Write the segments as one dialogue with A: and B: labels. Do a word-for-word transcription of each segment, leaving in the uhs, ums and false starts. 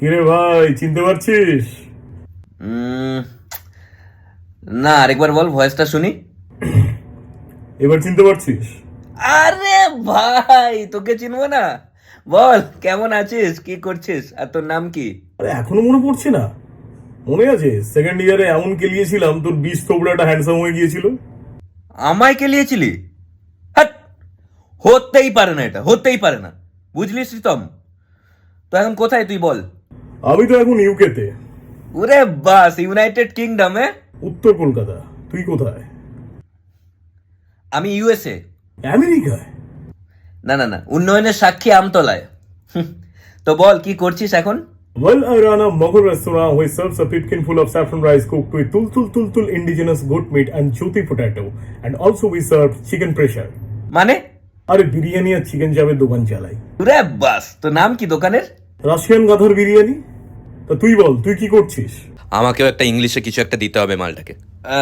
A: কিরে ভাই, চিনতে পারছিস?
B: উম, না, আরেকবার বল, ভয়েসটা শুনি।
A: এবার চিনতে পারছিস?
B: আরে ভাই, তোকে চিনবো না? বল, কেমন আছিস, কি করছিস, আর তোর নাম কি?
A: আরে এখনো মনে পড়ছে না? মনে আছে সেকেন্ড ইয়ারে এমন কেলিয়েছিলাম তোর বিষ থোবড়াটা হ্যান্ডসাম হয়ে গিয়েছিল।
B: আমায় কেলিয়েছিলি? হাট! হতেই পারে না, এটা হতেই পারে না। বুঝলি শ্রীতম? তো এখন কোথায় তুই বল?
A: আমি তো এখন ইউকেতে,
B: ওরে বাস, ইউনাইটেড কিংডমে।
A: উত্তর কলকাতা। তুই কোথায়?
B: আমি ইউএসএ।
A: আমেরিকায়?
B: না না না, উন্নয়নের সাক্ষী আমতলায়। হুঁ, তো বল, কি করছিস এখন?
A: Well, I run a Mughal restaurant which serves a pipkin full of saffron rice cooked with tul tul tul tul indigenous goat meat and jyoti potato. And also we serve chicken pressure.
B: মানে?
A: আরে বিরিয়ানি আর chicken চাপের দোকান চালাই।
B: ওরে বাস, তো নাম কি দোকানের?
A: রাশিয়ান গাধার বিরিয়ানি। তা তুই বল, তুই কি করছিস?
B: আমাকেও একটা ইংলিশে কিছু একটা দিতে হবে মালটাকে।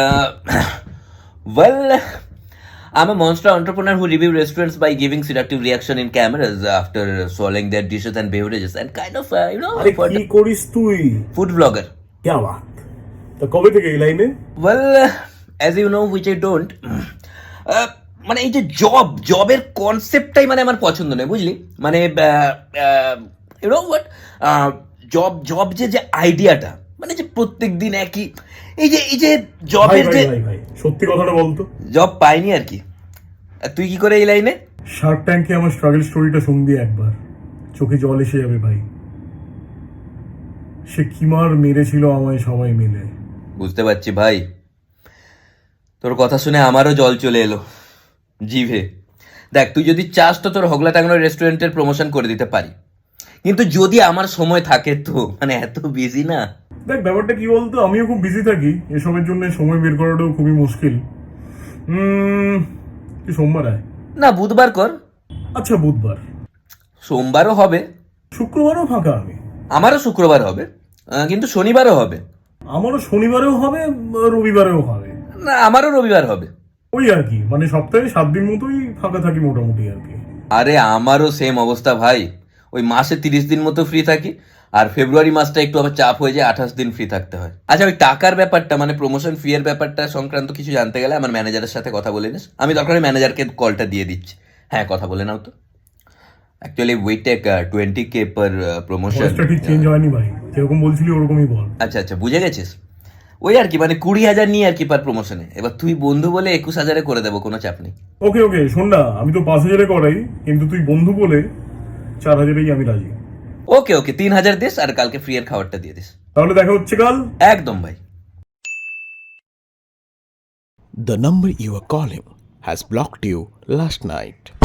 B: Well, I'm a monster entrepreneur who review restaurants by giving seductive reaction in cameras after swallowing their dishes and beverages and kind of, uh, you know,
A: আরে
B: for
A: কি
B: the
A: করিস তুই?
B: food vlogger.
A: क्या बात। তা কবে থেকে এই লাইনে?
B: Well, as you know, which I don't. uh, মানে এই যে জব জবের কনসেপ্টটাই মানে আমার পছন্দ নয়, বুঝলি? মানে you know what, job job যে যে আইডিয়াটা, মানে যে প্রত্যেক দিন একই, এই যে এই যে
A: ভাই
B: জবের
A: ভাই
B: যে
A: ভাই ভাই সত্যি কথাটা বলতো।
B: জব পাইনি আর কি। আর তুই কি করে এই লাইনে?
A: শার্ক ট্যাঙ্কে আমার স্ট্রাগল স্টোরিটা শুনবি একবার, চোখে জল এসে যাবে ভাই। সে কি মার মেরেছিল আমায় সবাই মিলে।
B: বুঝতে পারছি ভাই, তোর কথা শুনে আমারও জল চলে এলো জিভে। দেখ, তুই যদি চাস তো তোর হগলা টাঙ্গানোর রেস্টুরেন্টের প্রমোশন করে দিতে পারি, কিন্তু যদি আমার সময় থাকে তো, মানে এত বিজি না।
A: দেখ ব্যাপারটা কি বলতো, আমিও খুব বিজি থাকি, এসবের জন্য সময় বের করাটাও খুবই মুশকিল। হুম, তুই সোমবার আয়।
B: না, বুধবার কর।
A: আচ্ছা বুধবার।
B: সোমবারও হবে।
A: শুক্রবারও ফাঁকা আমি।
B: আমারও শুক্রবার হবে, আহ, কিন্তু শনিবারও হবে।
A: আমারও শনিবারেও হবে, রবিবারেও হবে।
B: না, আমারও রবিবার হবে।
A: ওই আর কি, মানে সপ্তাহে সাত দিন মতোই ফাঁকা থাকি মোটামুটি আর কি।
B: আরে আমারও সেম অবস্থা ভাই, ওই মাসে তিরিশ দিন মতো ফ্রি থাকি, আর ফেব্রুয়ারি মাসটা একটু আবার চাপ হয়ে যায়, আঠাশ দিন ফ্রি থাকতে হয়। আচ্ছা, ওই টাকার ব্যাপারটা, মানে প্রমোশন ফি এর ব্যাপারটা সংক্রান্ত কিছু জানতে গেলে আমার ম্যানেজারের সাথে কথা বলে নিস। আমি দরকার ম্যানেজারকে কলটা দিয়ে দিচ্ছি। হ্যাঁ, কথা বলে নাও তো। Actually we take twenty K per promotion.
A: ভয়েসটা ঠিক চেঞ্জ হয়নি ভাই, যেরকম বলছিলি ওরকমই বল।
B: আচ্ছা আচ্ছা, বুঝে গেছিস। ওই আর কি, মানে কুড়ি হাজার নিয়ে আর কি পার প্রমোশনে। এবার তুই বন্ধু বলে একুশ হাজারে করে দেবো, কোনো চাপ নেই।
A: ওকে ওকে, শোন না, আমি তো পাঁচ হাজারে করাই, কিন্তু তুই বন্ধু বলে চার হাজারেই আমি রাজি।
B: ওকে ওকে, তিন হাজার দিস, আর কালকে ফ্রি এর খাবারটা দিয়ে দিস।
A: তাহলে দেখা হচ্ছে কাল।
B: একদম ভাই।
C: The number you are calling has blocked you last night.